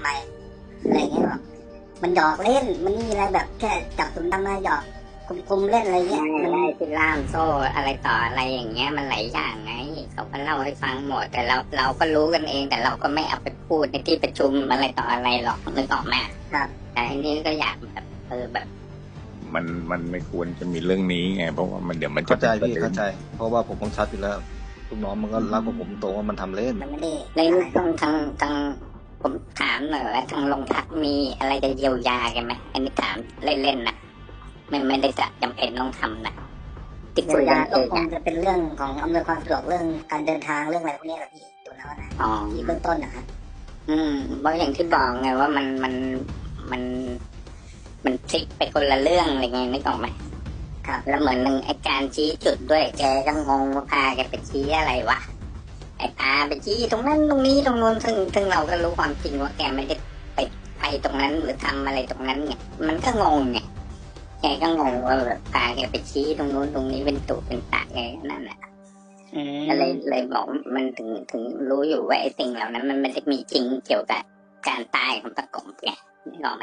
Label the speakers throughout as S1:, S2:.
S1: ไปอะไรเงี้ยแบบมันหยอกเล่นมันมีอะไรแบบแค่จับตุ่มตามมาหยอกกลมๆเล่นอะไรเงี้ยมัน
S2: ได้ที่ล่ามโซ่อะไรต่ออะไรอย่างเงี้ยมันหลายอย่างไงเขาก็เล่าให้ฟังหมดแต่เราก็รู้กันเองแต่เราก็ไม่เอาไปพูดในที่ประชุมอะไรต่ออะไรหรอกนึกออกไหม
S1: ครับ
S2: แต่อันนี้ก็อยากแบบแบบ
S3: มันไม่ควรจะมีเรื่องนี้ไงเพราะว่ามันเดี๋ยวมันจะ
S4: เข้าใจพี่เข้าใจ เพราะว่าผมบังคับอยู่แล้วลูกน้องมันก็รับกับผมตรงว่ามันทำเล่น
S1: มันไม่ได้
S2: ในเรื่องทางผมถามหน่อยว่าทางโรงพักมีอะไรจะเยียวยากันไหมอันนี้ถามเล่นๆนะไม่ได้จะจำเป็นต้องทำนะติด
S1: เยี
S2: คุ
S1: ยวย ยา
S2: กันเอง
S1: ก็คงจะเป็นเรื่องของอำนวยความสะดวกเรื่องการเดินทางเรื่องอะไรพวกนี้แหละพี่ตัวแล้วนะ
S2: อ๋อ
S1: ที่เบื้องต้นนะครับ
S2: เพราะอย่างที่บอกไงว่ามันพลิกไปคนละเรื่องอะไรไงนึกออกไหม
S1: ครับ
S2: แล้วเหมือนหนึ่งไอ้การชี้จุดด้วยแกก็งงว่าพาแกไปชี้อะไรวะไอ้พาไปชี้ตรงนั้นตรงนี้ตรงนู้นซึ่งเราก็รู้ความจริงว่าแกไม่ได้ไปตรงนั้นหรือทำอะไรตรงนั้นไงมันก็งงไงแกก็งงว่าแบบพาแกไปชี้ตรงนู้นตรงนี้เป็นตุเป็นตะไงนั่นแหละก็เลยบอกมันถึงรู้อยู่ว่าไอ้สิ่งเหล่านั้นมันไม่ได้มีจริงเกี่ยวกับการตายของตะกบไงนึกออกไหม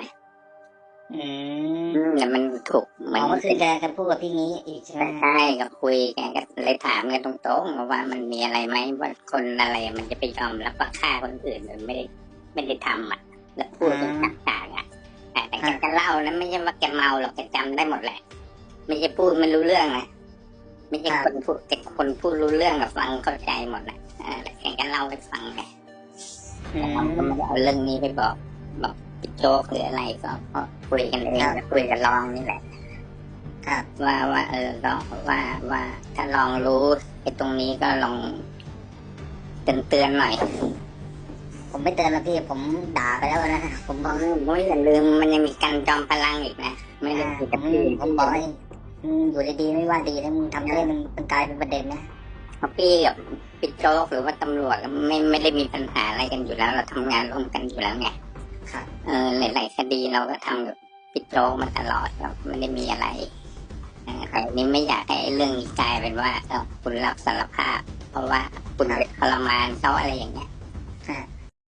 S2: แต่มันถูก
S1: หมอก็คือจะพูดกับพี่นี้อีกใช่ไหม
S2: ใช่ก็คุยกันก็เลยถามกันตรงๆว่ามันมีอะไรไหมว่าคนอะไรมันจะไปยอมรับว่าฆ่าคนอื่นโดยไม่ได้ทำอ่ะแล้วพูดกันต่างๆอ่ะแต่แกจะเล่านะไม่ใช่ว่าแกเมาหรอกแกจำได้หมดแหละไม่ใช่พูดมันรู้เรื่องนะไม่ใช่คนพูดแต่คนพูดรู้เรื่องกับฟังเข้าใจหมดนะแต่แกก็เล่าให้ฟังไงแต่เราก็ไม่ได้เอาเรื่องนี้ไปบอกพี่โจ๊กหรืออะไรก็คุยกันเองคุยกันลองนี่แหละ
S1: ครับ
S2: ว่าก็ว่าถ้าลองรู้ไอ้ตรงนี้ก็ลองเตือนหน่อย
S1: ผมไม่เตือนแล้วพี่ผมด่าไปแล้วนะผมบอก
S2: ไม่อย่าลืมมันยังมีการจอมพลังอีกนะไม่ได้คุยกับพี่
S1: ผมบอกให้อยู่ดีๆไม่ว่าดีแล้วมึงทำเล่นมันกลายเป็นประเด็นนะ
S2: เพราะพี่กับพี่โจ๊กหรือว่าตำรวจไม่ได้มีปัญหาอะไรกันอยู่แล้วเราทำงานร่วมกันอยู่แล้วไง
S1: ครับ
S2: หลายๆคดีเราก็ทำกับพี่โจ๊กมาตลอดครับไม่ได้มีอะไรแต่นี้ไม่อยากให้เรื่องนี้กลายเป็นว่าคุณรับสารภาพ เพราะว่าคุณไปทรมานเขาอะไรอย่างเงี้ย